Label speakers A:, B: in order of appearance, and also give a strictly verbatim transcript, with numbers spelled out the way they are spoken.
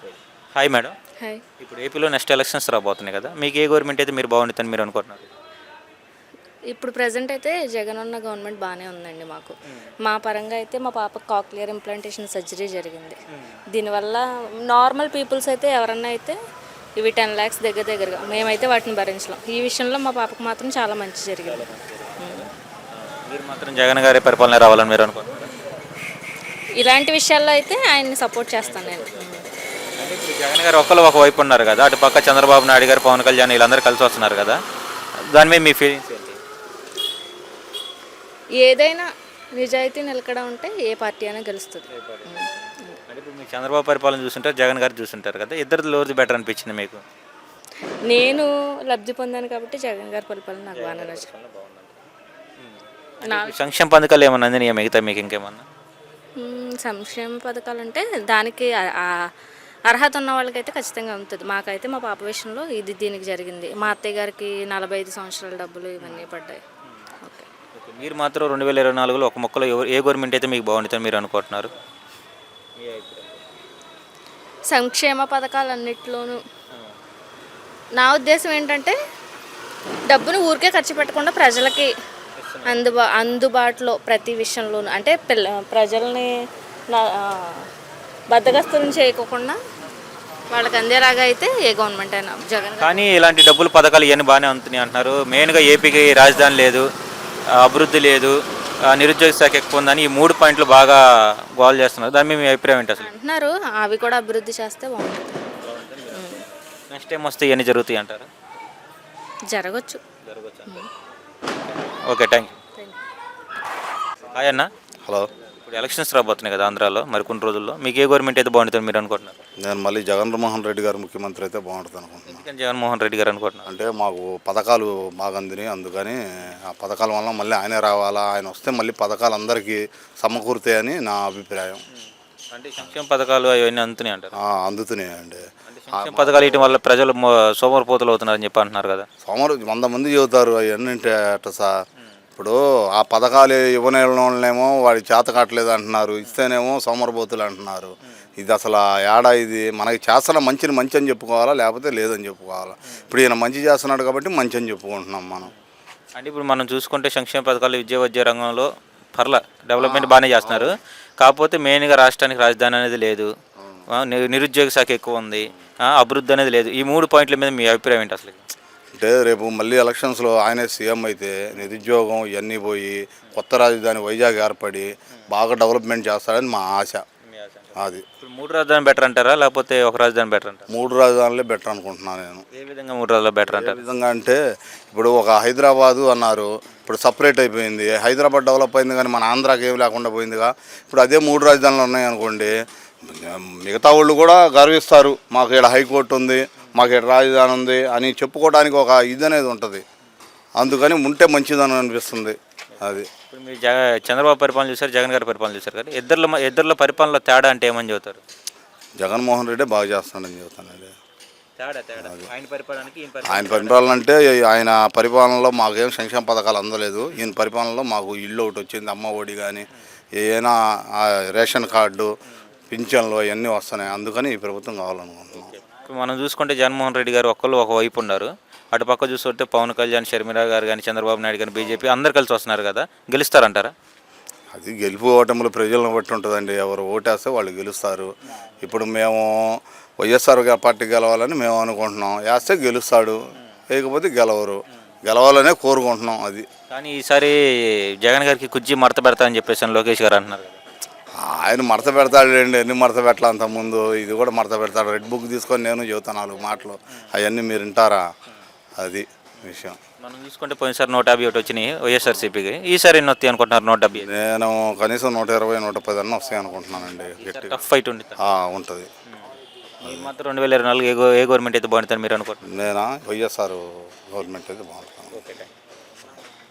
A: Hi madam.
B: Hi.
A: ఇప్పుడు ఏపీలో next elections రాబోతున్నాయి కదా, మీకు ఏ గవర్నమెంట్ అయితే మీరు బాగుంటుందని మీరు అనుకుంటున్నారు?
B: ఇప్పుడు ప్రజెంట్ అయితే జగన్ ఉన్న గవర్నమెంట్ బాగానే ఉందండి మాకు. మా పరంగా అయితే మా పాపకు కాక్లియర్ ఇంప్లాంటేషన్ సర్జరీ జరిగింది. దీనివల్ల నార్మల్ పీపుల్స్ అయితే ఎవరన్నా అయితే ఇవి టెన్ ల్యాక్స్ దగ్గర దగ్గరగా మేమైతే వాటిని భరించలేం. ఈ విషయంలో మా పాపకు మాత్రం చాలా మంచి జరిగింది.
A: మీరు మాత్రం జగన్ గారి పరిపాలన రావాలని మీరు అనుకుంటున్నారు?
B: ఇలాంటి విషయాల్లో అయితే ఆయన్ని సపోర్ట్ చేస్తాను నేను.
A: అంటే ఇప్పుడు జగన్ గారు ఒకళ్ళు ఒకవైపు ఉన్నారు కదా, అటు పక్క చంద్రబాబు నాయుడు గారు, పవన్ కళ్యాణ్ వీళ్ళందరూ కలిసి వస్తున్నారు కదా, దాని మీద మీ ఫీలింగ్స్ ఏంటి?
B: ఏదైనా నిజాయితీ నిలకడ ఉంటే ఏ పార్టీ అయినా గెలుస్తుంది.
A: అంటే ఇప్పుడు మీకు చంద్రబాబు పరిపాలన చూస్తుంటారు, జగన్ గారు చూస్తుంటారు కదా, ఇద్దరు లోది బెటర్ అనిపించింది మీకు?
B: నేను లబ్ధి పొందాను కాబట్టి జగన్ గారి పరిపాలన నాకు బాగా నచ్చింది. నా
A: సంక్షేమ పథకాలు ఏమన్నా అందినాయా మిగతా మీకు ఇంకేమన్నా?
B: మ్మ్, సంక్షేమ పథకాలు అంటే దానికి ఆ- ఆ అర్హత ఉన్న వాళ్ళకైతే ఖచ్చితంగా ఉంటుంది. మాకైతే మా పాప విషయంలో ఇది దీనికి జరిగింది. మా అత్తయ్య గారికి నలభై ఐదు సంవత్సరాల డబ్బులు ఇవన్నీ పడ్డాయి. ఓకే.
A: ఓకే, మీరు మాత్రం రెండు వేల ఇరవై నాలుగులో ఒక మొక్కలో ఎవరు ఏ గవర్నమెంట్ అయితే మీకు బాగుంటుందని మీరు అనుకుంటున్నారు?
B: సంక్షేమ పథకాలన్నిటిలోనూ నా ఉద్దేశం ఏంటంటే డబ్బును ఊరికే ఖర్చు పెట్టకుండా ప్రజలకి అందుబా అందుబాటులో ప్రతి విషయంలోనూ అంటే పిల్ల ప్రజల్ని నా- ఆ, బద్దగస్తులను చేయకోకుండా వాళ్ళకి అందేలాగా అయితే ఏ గవర్నమెంట్ అయినా జగన్ గారు.
A: కానీ ఇలాంటి డబ్బులు పథకాలు ఇవన్నీ బాగానే అందుతున్నాయి అంటున్నారు. మెయిన్గా ఏపీకి రాజధాని లేదు, ఆ, అభివృద్ధి లేదు, ఆ, నిరుద్యోగ శాఖ ఎక్కువ ఉందని ఈ మూడు పాయింట్లు బాగా గోల్ చేస్తున్నారు. దాని మీద మీ అభిప్రాయం ఏంటి అసలు?
B: అంటున్నారు అవి కూడా అభివృద్ధి చేస్తే బాగుంటుంది.
A: నెక్స్ట్ టైం వస్తే ఇవన్నీ జరుగుతాయి అంటారు?
B: జరగచ్చు.
A: Okay, thank you.
B: Thank you.
A: Hi అన్న.
C: హలో,
A: ఇప్పుడు ఎలక్షన్స్ రాబోతున్నాయి కదా ఆంధ్రాలో, మరి కొన్ని రోజుల్లో మీకు ఏ గవర్నమెంట్ అయితే బాగుంటుందని మీరు అనుకుంటున్నారు?
C: నేను మళ్ళీ జగన్మోహన్ రెడ్డి గారు ముఖ్యమంత్రి అయితే బాగుంటుంది అనుకుంటున్నాను.
A: ఎందుకని జగన్మోహన్ రెడ్డి గారు అనుకుంటున్నారు?
C: అంటే మాకు పథకాలు బాగా అందినాయి, అందుకని ఆ పథకాల వల్ల మళ్ళీ ఆయనే రావాలా, ఆయన వస్తే మళ్ళీ పథకాలు అందరికీ సమకూరుతాయని నా అభిప్రాయం.
A: అంటే సంక్షేమ పథకాలు అవన్నీ అందుతున్నాయి అంటారు?
C: ఆ, అందుతున్నాయండి.
A: సంక్షేమ పథకాలు ఇవ్వడం వల్ల ప్రజలు మో- సోమరిపోతులు అవుతున్నారని చెప్పి అంటున్నారు కదా.
C: సోమవారం వంద మంది చెబుతారు అవన్నీ అంటే అట్ట సార్. ఇప్పుడు ఆ పథకాలు ఇవ్వని వాళ్ళనేమో వాడి చేత కావట్లేదు అంటున్నారు, ఇస్తేనేమో సోమరబోతులు అంటున్నారు. ఇది అసలు ఏడా ఇది మనకి చేస్తున్న మంచిని మంచి అని చెప్పుకోవాలా, లేకపోతే లేదని చెప్పుకోవాలా? ఇప్పుడు ఈయన మంచి చేస్తున్నాడు కాబట్టి మంచి అని చెప్పుకుంటున్నాం మనం.
A: అంటే ఇప్పుడు మనం చూసుకుంటే సంక్షేమ పథకాలు విద్య వైద్య రంగంలో పర్ల డెవలప్మెంట్ బాగానే చేస్తున్నారు. కాకపోతే మెయిన్గా రాష్ట్రానికి రాజధాని అనేది లేదు, ఆ, ని- నిరుద్యోగ శాఖ ఎక్కువ ఉంది, ఆ, అభివృద్ధి అనేది లేదు. ఈ మూడు పాయింట్ల మీద మీ అభిప్రాయం ఏంటి అసలు?
C: అంటే రేపు మళ్ళీ ఎలక్షన్స్లో ఆయనే సీఎం అయితే నిరుద్యోగం ఇవన్నీ పోయి కొత్త రాజధాని వైజాగ్ ఏర్పడి బాగా డెవలప్మెంట్ చేస్తాడని మా ఆశ. అది
A: ఇప్పుడు మూడు రాజధాని బెటర్ అంటారా, లేకపోతే ఒక రాజధాని బెటర్ అంటారా?
C: మూడు రాజధానులే బెటర్ అనుకుంటున్నాను నేను.
A: ఏ విధంగా మూడు రాజధానులు బెటర్
C: ఏ
A: అంటారు?
C: విధంగా అంటే ఇప్పుడు ఒక హైదరాబాదు అన్నారు, ఇప్పుడు సపరేట్ అయిపోయింది. హైదరాబాద్ డెవలప్ అయింది కానీ మన ఆంధ్రాకి ఏమి లేకుండా పోయిందిగా. ఇప్పుడు అదే మూడు రాజధానులు ఉన్నాయనుకోండి, మిగతా వాళ్ళు కూడా గర్విస్తారు, మాకు ఇక్కడ హైకోర్టు ఉంది, మాకు ఇక్కడ రాజధాని ఉంది అని చెప్పుకోవడానికి ఒక ఇది అనేది ఉంటుంది. అందుకని ఉంటే మంచిదని అనిపిస్తుంది. అది
A: ఇప్పుడు మీరు జగ చంద్రబాబు పరిపాలన చూసారు, జగన్ గారి పరిపాలన చూసారు కదా, ఇద్దరిలో మ- ఇద్దరిలో పరిపాలనలో తేడా అంటే ఏమని చెబుతారు?
C: జగన్మోహన్ రెడ్డి బాగా చేస్తాడని చెబుతానండి.
A: తేడా తేడా ఆయన పరిపాలనకి ఈయన పరిపాలన
C: ఆయన పరిపాలన అంటే ఆయన పరిపాలనలో మాకేం సంక్షేమ పథకాలు అందలేదు. ఈయన పరిపాలనలో మాకు ఇల్లు ఒకటి వచ్చింది, అమ్మ ఒడి కానీ ఏదైనా రేషన్ కార్డు పింఛన్లు అవన్నీ వస్తున్నాయి. అందుకని ఈ ప్రభుత్వం కావాలనుకుంటున్నాం.
A: ఇప్పుడు మనం చూసుకుంటే జగన్మోహన్ రెడ్డి గారు ఒక్కళ్ళు ఒకవైపు ఉన్నారు, అటు పక్క చూస్తుంటే పవన్ కళ్యాణ్, షర్మిల గారు కానీ, చంద్రబాబు నాయుడు కానీ, బీజేపీ అందరు కలిసి వస్తున్నారు కదా, గెలుస్తారంటారా?
C: అది గెలుపు ఓటములు ప్రజలను బట్టి ఉంటుందండి. ఎవరు ఓటేస్తే వాళ్ళు గెలుస్తారు. ఇప్పుడు మేము వైఎస్ఆర్ గా- పార్టీ గెలవాలని మేము అనుకుంటున్నాం. వేస్తే గెలుస్తాడు, లేకపోతే గెలవరు. గెలవాలనే కోరుకుంటున్నాం. అది
A: కానీ ఈసారి జగన్ గారికి కుర్చీ మడత పెడతా అని చెప్పేసి అని లోకేష్ గారు అంటున్నారు కదా.
C: ఆయన మడత పెడతాడండి, ఎన్ని మడత పెట్టాలి అంతకుముందు, ఇది కూడా మడత పెడతాడు. రెడ్ బుక్ తీసుకొని నేను చెబుతాను నాలుగు మాటలు, అవన్నీ మీరు వింటారా? అది విషయం.
A: మనం చూసుకుంటే పోయినసారి నూట యాభై ఒకటి వచ్చినాయి వైఎస్ఆర్సీపీకి, ఈసారి ఎన్ని వస్తాయి అనుకుంటున్నారు? నూట డెబ్బై
C: నేను కనీసం నూట ఇరవై నూట పది అన్న వస్తాయి అనుకుంటున్నానండి. గట్టిగా
A: టఫ్ ఫైట్ ఉంది.
C: ఉంటుంది.
A: ఈ మాత్రం రెండు వేల ఇరవై నాలుగు ఏ గో- ఏ గవర్నమెంట్ అయితే బాగుంటుందని మీరు అనుకుంటున్నారు?
C: నేనా వైఎస్ఆర్ గవర్నమెంట్ అయితే బాగుంటుంది.
A: Okay, thank you.